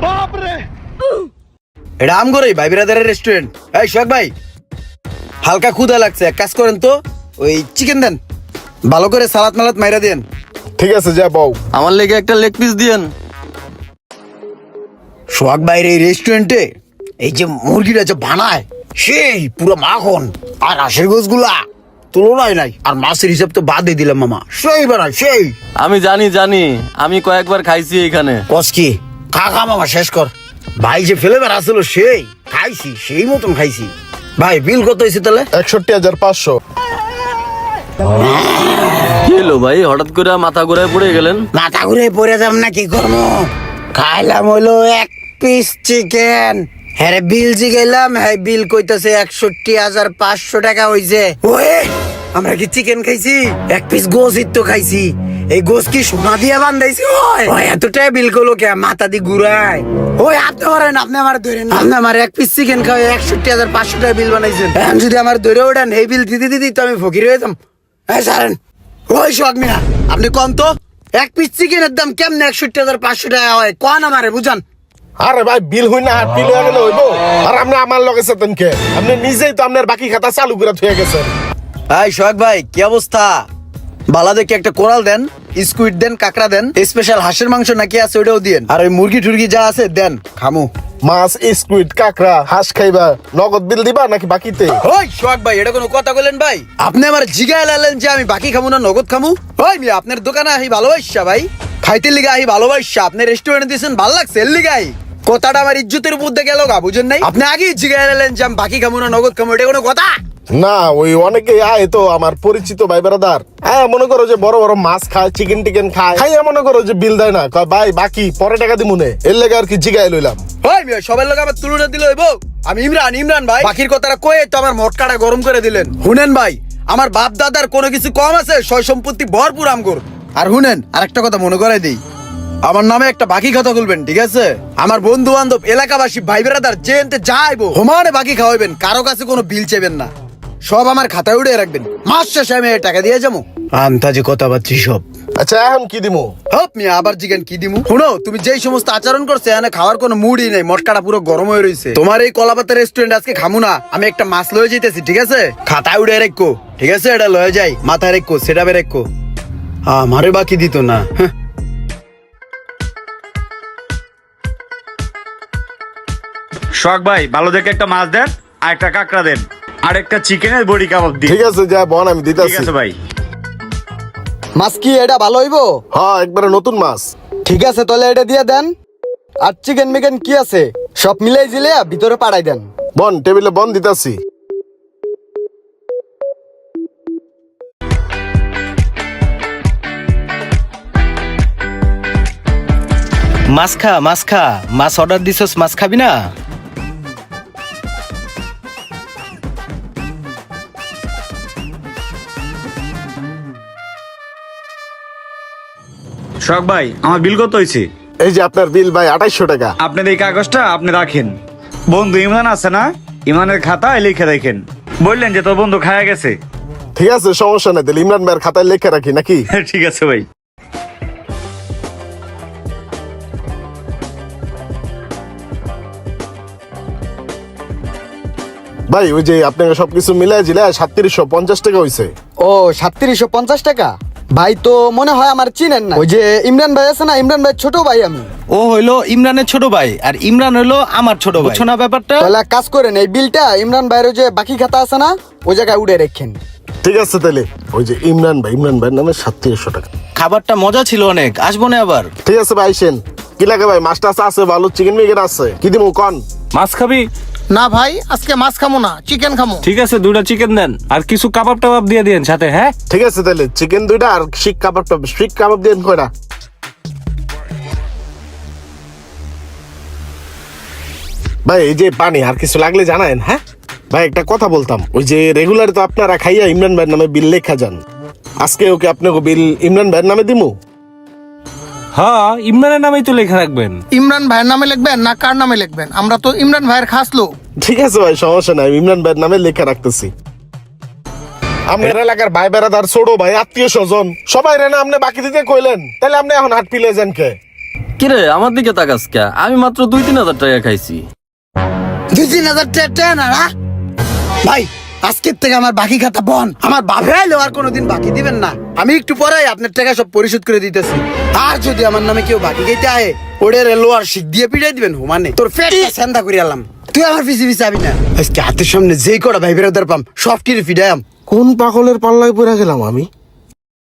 এটা আমগোরই ভাই বিরাদারের রেস্টুরেন্ট। এই সোহাগ ভাই, হালকা ক্ষুধা লাগছে, এক কাজ করেন তো ওই চিকেন দেন, ভালো করে সালাদ মালাদ মাইরা দেন। ঠিক আছে যা বউ। আমার লেগে একটা লেগ পিস দিয়েন। সোহাগ ভাইয়ের এই রেস্টুরেন্টে এই যে মুরগিটা যে বানায় সেই পুরো মাখন, আর হাঁসের গোছগুলা তুলনায় নাই, আর মাছের হিসাব তো বাদই দিলাম মামা, সেই বানায় সেই। আমি জানি, আমি কয়েকবার খাইছি এখানে। কসকি খা খা মামা, শেষ কর। ভাই যে ফ্লেভার আসলো সেই খাইছি, সেই মতন খাইছি। ভাই বিল কত হয়েছে তাহলে? 61,500। কি হলো ভাই, হঠাৎ করে মাথা ঘুরে পড়ে গেলেন? মাথা ঘুরে পড়ে যাম না, কি করবো? খাইলাম হইলো এক পিস চিকেন, হ্যাঁ বিল জিগাইলাম, হ্যাঁ বিল কইতাছে 61,500 টাকা হইছে। ওয়ে আমরা কি চিকেন খাইছি? এক পিস গোশই তো খাইছি। এই গোশ কি সোনা দিয়ে বান্ধাইছি? ওই এতটাই বিল করলো কে? মাথা দি ঘুরায়। ওই আপনি ধরেন, আপনি আমার ধরেন, আপনি আমার এক পিস চিকেন খাওয়া 61,500 টাকা বিল বানাইছেন। এখন যদি আমার ধরে ওঠেন এই বিল দিতে দিতে তো আমি ফকির হয়ে যাম। হ্যাঁ সারেন। ওই সোহাগ মিয়া, আপনি কন তো এক পিস চিকেনের দাম কেমনে 61,500 টাকা হয়? কন আমারে বুঝান। আরে ভাই বিল হই না, বিল হয়ে গেলে হইব। আর আপনি আমার লগে সাথেন কে? আপনি নিজেই তো আপনার বাকি খাতা চালু করে থুয়ে গেছেন। এই সোহাগ ভাই, কি অবস্থা? বালা দেখে একটা কোরাল দেন, স্কুইড দেন, কাঁকড়া দেন, স্পেশাল হাঁসের মাংস নাকি আছে ওটাও দিয়েন, আর ওই মুরগি টুরগি যা আছে দেন, খামু। মাছ, স্কুইড, কাঁকড়া, হাঁস খাইবা, নগদ বিল দিবা নাকি বাকিতে? ওই সোহাগ ভাই, এটা কোনো কথা বলেন ভাই? আপনি আমার জিগায় লালেন যে আমি বাকি খামু না নগদ খামু? ওই মিয়া, আপনার দোকানে আহি ভালোবাসা ভাই, খাইতে লিগা আহি ভালোবাসা, আপনি রেস্টুরেন্টে দিয়েছেন ভাল লাগছে এর লিগাই। কথাটা আমার ইজ্জতের উপর দিয়ে গেল গা, বুঝেন নাই? আপনি আগেই জিগায় লালেন যে আমি বাকি খামু না নগদ খামু, এটা কোনো কথা? না, ওই অনেকে আয় তো আমার পরিচিত ভাই বেড়াদার, হ্যাঁ মনে করো যে বড় বড় মাছ খায়, চিকেন টিকেন খায়, খাইয়া মনে করো যে বিল দেয় না, কয় ভাই বাকি পরে টাকা দিমুনে, এর লেগে আর কি জিগাই লইলাম। ওই মিয়া, সবার লোক আমার তুলনা দিলে হইব? আমি ইমরান ভাই, বাকির কথাটা কয়ে তো আমার মটকাটা গরম করে দিলেন। শুনেন ভাই, আমার বাপ দাদার কোনো কিছু কম আছে? সয় সম্পত্তি ভরপুর আমগর। আর শুনেন, আরেকটা কথা মনে করাই দিই, আমার নামে একটা বাকি খাতা খুলবেন, ঠিক আছে? আমার বন্ধু বান্ধব, এলাকাবাসী, ভাই বেড়াদার যে এনতে যাইবো সমানে বাকি খাওয়াবেন, কারো কাছে কোনো বিল চেবেন না, সব আমার খাতায় উড়ে রাখবেন। মাস শেষে আমি টাকা দিয়ে যাবো। আন্তাজে কথা পাচ্ছি সব। আচ্ছা এখন কি দিমু? হপ মিয়া, আবার জিজ্ঞেন কি দিমু? শুনো, তুমি যেই সমস্ত আচরণ করছে এখানে খাওয়ার কোনো মুডই নেই, মটকাটা পুরো গরম হয়ে রয়েছে। তোমার এই কলাপাতা রেস্টুরেন্ট আজকে খামু না, আমি একটা মাছ লয়ে যেতেছি, ঠিক আছে? খাতায় উড়ে রেখো, ঠিক আছে? এটা লয়ে যাই, মাথায় রেখো, সেটা বে রেখো, আমারে বাকি দিত না। শখ ভাই, ভালো দেখে একটা মাছ দেন, আর একটা কাঁকড়া দেন, আর একটা চিকেনের বড়ি কাবাব দিন। ঠিক আছে যা বন, আমি ঠিক দিতেছি। আছে ভাই। মাছ কি এটা ভালো হইবো? হ্যাঁ একবারে নতুন মাছ। ঠিক আছে তাহলে এটা দিয়ে দেন। আর চিকেন মিকেন কি আছে সব মিলাই দিলে ভিতরে পাঠাই দেন। বন, টেবিলে বন দিতেছি। মাছ খা, মাছ অর্ডার দিছস, মাছ খাবি না? শখ ভাই, আমার বিল কত হয়েছে? এই যে আপনার বিল ভাই 2800 টাকা। আপনার এই কাগজটা আপনি রাখেন। বন্ধু ইমরান আছে না, ইমরানের খাতায় লিখে রাখেন। বললেন যে তোর বন্ধু খায়া গেছে। ঠিক আছে সমস্যা নাই, তাহলে ইমরান ভাইয়ের খাতায় লেখা রাখি নাকি? ঠিক আছে ভাই। ভাই ওই যে আপনাকে সবকিছু মিলাই জিলে 3750 টাকা হইছে। ও 3750 টাকা? ভাই তো মনে হয় আমার চিনেন না। ওই যে ইমরান ভাই আছে না, ইমরান ভাই ছোট ভাই আমি। ও হইলো ইমরানের ছোট ভাই, আর ইমরান হইলো আমার ছোট ভাই। বুঝছো না ব্যাপারটা? তাহলে এক কাজ করেন, এই বিলটা ইমরান ভাইয়ের ওই যে বাকি খাতা আছে না, ওই জায়গায় উড়ে রেখেন। ঠিক আছে তাহলে ওই যে ইমরান ভাইয়ের নামে 3700 টাকা। খাবারটা মজা ছিল অনেক, আসবো না আবার? ঠিক আছে ভাই আইসেন। কি লাগে ভাই? মাছটা আছে, ভালো চিকেন মিকেন আছে, কি দিমু কোন? মাছ খাবি? না ভাই, আজকে মাছ খামো না, চিকেন খামো। ঠিক আছে, 2টা চিকেন দেন, আর কিছু কাবাব টাবাব দিয়ে দিন সাথে। হ্যাঁ ঠিক আছে তাহলে চিকেন 2টা আর শিক কাবাব দেন কয়টা? ভাই এই যে পানি আর কিছু লাগলে জানায়েন। হ্যাঁ ভাই একটা কথা বলতাম, ওই যে রেগুলার তো আপনারা খাইয়া ইমরান ভাইয়ের নামে বিল লেখা যান, আজকে ওকে আপনাকে বিল ইমরান ভাইয়ের নামে দিমু? হ্যাঁ, ইমরানের নামেই তো লেখা রাখবেন। ইমরান ভাইয়ের নামে লিখবেন না কার নামে লিখবেন? আমরা তো ইমরান ভাইয়ের খাস লোক। ঠিক আছে ভাই সমস্যা নাই, ইমরান ভাইয়ের নামে লেখা রাখতেছি। আপনার এলাকার ভাই বেড়াদার, ছোট ভাই, আত্মীয় স্বজন সবাই রে না আপনি বাকি দিতে কইলেন, তাহলে আপনি এখন হাট পিলে যান কে? কিরে আমার দিকে তাকাস কে? আমি মাত্র 2-3 হাজার টাকা খাইছি। 2-3 হাজার টাকা না না ভাই, আজকের থেকে আমার বাকি খাতা বন। আমার বাপে আইলেও আর কোনোদিন বাকি দিবেন না। আমি একটু পরেই আপনার টাকা সব পরিশোধ করে দিতেছি। আর যদি আমার নামে কেউ বাকি খাইতে আয়, ওরে লোয়ার শিখ দিয়ে পিটাই দিবেন হুমানে। তোর ফেট সেন্দা করে আলাম। তুই আমার পিছিয়ে পিছিয়ে আবি না। আজকে হাতের সামনে যেই কটা ভাই বেরোদার পাম সব টিরে ফিডায়াম। কোন পাগলের পাল্লায় পড়ে গেলাম আমি?